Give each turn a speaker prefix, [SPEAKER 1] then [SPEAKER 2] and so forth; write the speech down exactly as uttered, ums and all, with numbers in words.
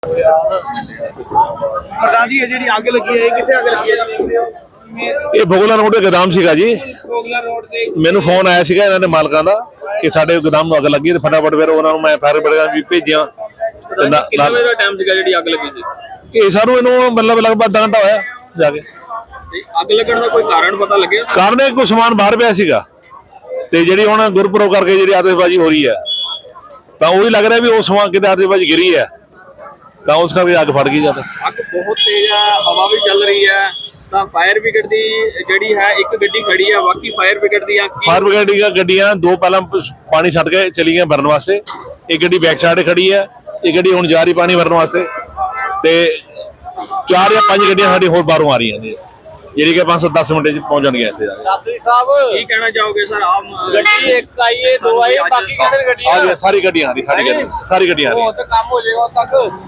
[SPEAKER 1] ਪ੍ਰਧਾਨ ਜੀ ਇਹ ਜਿਹੜੀ ਅੱਗ ਲੱਗੀ ਹੈ ਇਹ ਕਿੱਥੇ ਅੱਗ ਲੱਗੀ ਹੈ ਜੀ?
[SPEAKER 2] ਇਹ ਭੋਗਲਾ ਰੋਡ ਦੇ ਗੋਦਾਮ ਸੀਗਾ ਜੀ।
[SPEAKER 1] ਕੋਗਲਾ ਰੋਡ ਤੇ
[SPEAKER 2] ਮੈਨੂੰ ਫੋਨ ਆਇਆ ਸੀਗਾ ਇਹਨਾਂ ਦੇ ਮਾਲਕਾਂ ਦਾ ਕਿ ਸਾਡੇ ਗੋਦਾਮ ਨੂੰ ਅੱਗ ਲੱਗੀ ਤੇ ਫਟਾਫਟ ਫਿਰ ਉਹਨਾਂ ਨੂੰ ਮੈਂ ਫਾਇਰ ਬ੍ਰਿਗੇਡ ਵੀ ਭੇਜਿਆ।
[SPEAKER 1] ਕਿੰਨੇ ਵਜੇ ਦਾ ਟਾਈਮ ਸੀਗਾ ਜਿਹੜੀ ਅੱਗ ਲੱਗੀ ਸੀ?
[SPEAKER 2] ਇਹ ਸਾਨੂੰ ਇਹਨੂੰ ਮਤਲਬ ਲਗਭਗ ਅੱਧਾ ਘੰਟਾ ਹੋਇਆ ਜਾ ਕੇ।
[SPEAKER 1] ਤੇ ਅੱਗ ਲੱਗਣ ਦਾ ਕੋਈ ਕਾਰਨ ਪਤਾ ਲੱਗਿਆ?
[SPEAKER 2] ਕਾਰਨ ਇਹ ਕੋਈ ਸਮਾਨ ਬਾਹਰ ਪਿਆ ਸੀਗਾ ਤੇ ਜਿਹੜੀ ਹੁਣ ਗੁਰਪੁਰਬ ਕਰਕੇ ਜਿਹੜੀ ਆਤਿਸ਼ਬਾਜ਼ੀ ਹੋ ਰਹੀ ਹੈ ਤਾਂ ਉਹੀ ਲੱਗ ਰਿਹਾ ਵੀ ਉਹ ਸਮਾਨ ਕਿਤੇ ਆਤਿਸ਼ਬਾਜ਼ੀ ਗਿਰੀ ਹੈ ਤਾਂ ਉਸ ਕਰਕੇ ਅੱਗ ਫੜ ਗਈ ਜਾਂਦਾ।
[SPEAKER 1] ਅੱਗ ਬਹੁਤ ਤੇਜ਼ ਹੈ, ਹਵਾ ਵੀ ਚੱਲ ਰਹੀ ਹੈ ਤਾਂ ਫਾਇਰ ਬ੍ਰਿਗੇਡ ਦੀ ਜਿਹੜੀ ਹੈ ਇੱਕ ਗੱਡੀ ਖੜੀ ਹੈ, ਬਾਕੀ ਫਾਇਰ ਬ੍ਰਿਗੇਡ ਦੀਆਂ
[SPEAKER 2] ਫਾਇਰ ਬ੍ਰਿਗੇਡ ਦੀਆਂ ਗੱਡੀਆਂ ਦੋ ਪਹਿਲਾਂ ਪਾਣੀ ਛੱਡ ਕੇ ਚਲੀ ਗਈਆਂ ਭਰਨ ਵਾਸਤੇ। ਇੱਕ ਗੱਡੀ ਬੈਕ ਸਾਈਡ ਖੜੀ ਹੈ, ਇੱਕ ਗੱਡੀ ਹੁਣ ਜਾ ਰਹੀ ਪਾਣੀ ਭਰਨ ਵਾਸਤੇ ਤੇ ਚਾਰ ਜਾਂ ਪੰਜ ਗੱਡੀਆਂ ਸਾਡੀ ਹੋਰ ਬਾਹਰੋਂ ਆ ਰਹੀਆਂ ਨੇ ਜਿਹੜੀ ਕਿ ਪੰਜ ਸੱਤ ਦਸ ਮਿੰਟ ਚ ਪਹੁੰਚ ਜਾਣਗੀਆਂ ਇੱਥੇ।
[SPEAKER 1] ਰਾਤਰੀ ਸਾਹਿਬ ਕੀ ਕਹਿਣਾ ਚਾਹੋਗੇ ਸਰ? ਆਮ ਗੱਡੀ ਇੱਕ ਆਈ ਹੈ, ਦੋ ਆਈ, ਬਾਕੀ ਕਿਹੜੇ ਗੱਡੀਆਂ?
[SPEAKER 2] ਸਾਰੀ ਗੱਡੀਆਂ ਆ ਰਹੀ ਸਾਰੀ ਗੱਡੀ ਸਾਰੀ ਗੱਡੀਆਂ ਆ ਰਹੀ।
[SPEAKER 1] ਕੰਮ ਹੋ ਜਾਏਗਾ ਤੱਕ